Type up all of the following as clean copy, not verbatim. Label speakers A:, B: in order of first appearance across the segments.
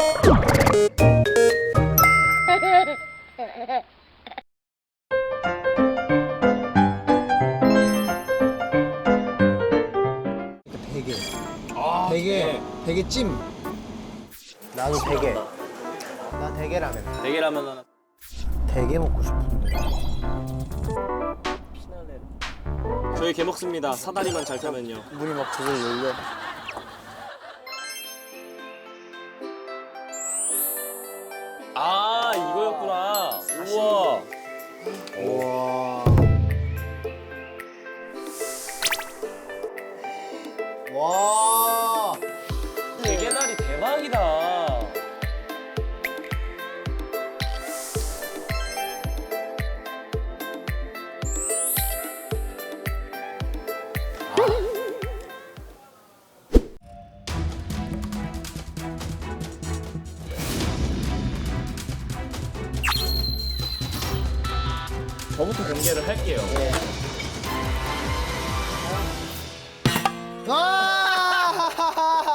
A: 대게. 대게 찜. 나도 대게. 나 대게라면.
B: 대게라면 하나.
A: 대게 먹고 싶은데.
B: 저희 게 먹습니다. 사다리만 잘 타면요.
A: 문이 막 저절 열려.
B: 아 이거였구나. 우와.
A: 우와. 와.
B: 대게다리 대박이다. 저부터 공개를 할게요.
A: 아!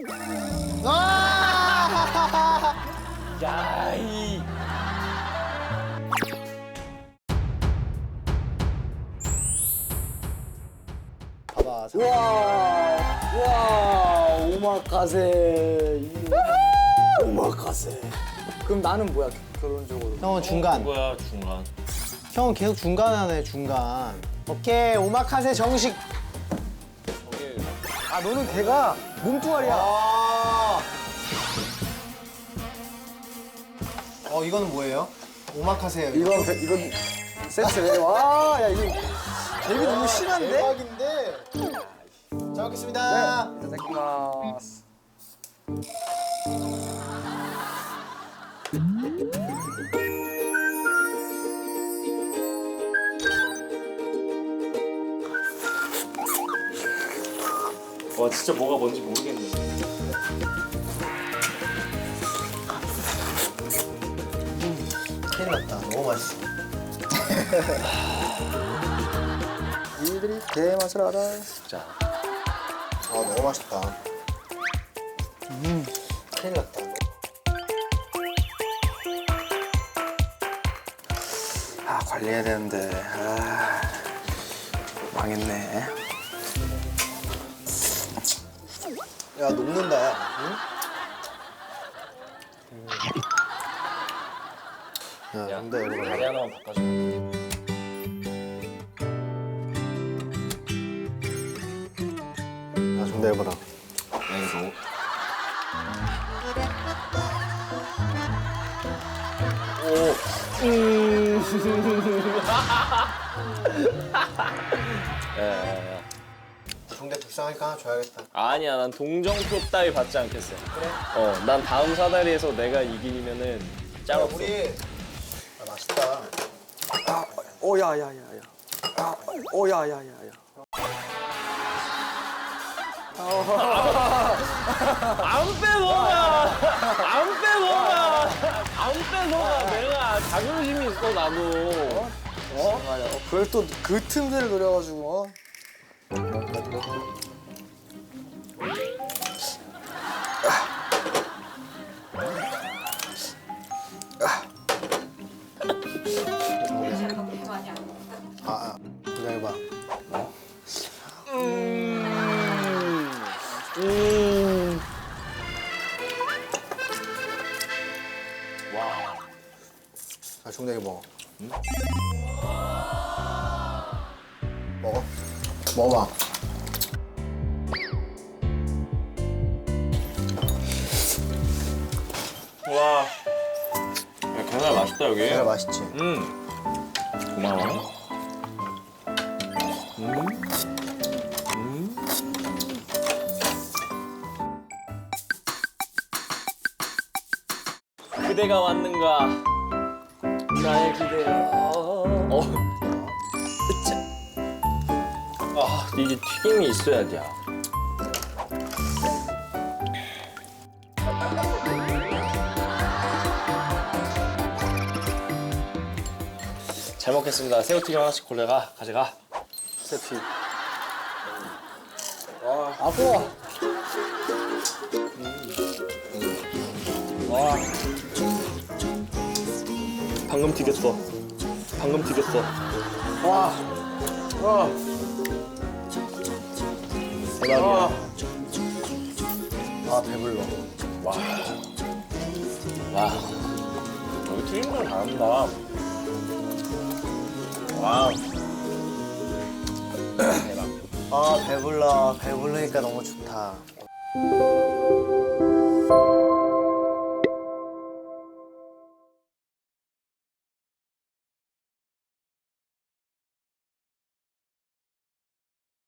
A: 아!
B: 야, 이.
A: 봐봐.
C: 와, 오마카세. 오마카세. 그럼 나는 뭐야, 결론적으로?
A: 형은 중간.
B: 뭐야 중간.
A: 형은 계속 중간 하네, 중간. 오케이, 오마카세 정식.
C: 아, 너는 걔가 몸뚱아리야.
A: 이거는 뭐예요? 오마카세예요.
C: 이건 세트네. 와, 야, 이거 재미 너무 심한데?
A: 대박인데. 잘 먹겠습니다.
C: 이타다키마스.
B: 와 진짜 뭐가 뭔지 모르겠네.
A: 큰일 났다. 너무 맛있어.
C: 이들이 대맛을 알아.
B: 자.
A: 너무 맛있다. 큰일 났다.
C: 아, 관리해야 되는데. 아, 망했네.
A: 야, 녹는다, 야. 응? 야, 근데 이거
B: 다리 하나만 바꿔줘.
A: 야, 좀 내봐라.
B: 왼손. 야.
A: 중대 불쌍하니까 하나 줘야겠다.
B: 아니야, 난 동정표 따위 받지 않겠어. 그래? 난 다음 사다리에서 내가 이기면은 짱 없어.
A: 우리 맛있다.
C: 아, 야야야야. 아, 야야야야.
B: 안 빼먹어! 안 빼먹어! 안 빼먹어! 내가 자존심이 있어, 나도.
C: 그걸 또 그 틈새를 노려가지고.
A: 기다려봐.
B: 와.
A: 자, 중대기 먹어. 먹어. 먹어봐.
B: 와. 야, 게살 맛있다, 여기.
A: 계란 맛있지?
B: 고마워. 그대가 왔는가? 나의 기대야. 이게 튀김이 있어야 돼. 잘 먹겠습니다. 새우튀김 하나씩 가져가.
C: 세피. 아빠.
B: 방금 튀겼어. 방금 튀겼어.
C: 와. 와.
B: 대박이야.
C: 아 배불러.
B: 와. 여기 튀김 좀 잘한다. 와. 대박.
A: 아 배불러. 배부르니까 너무 좋다.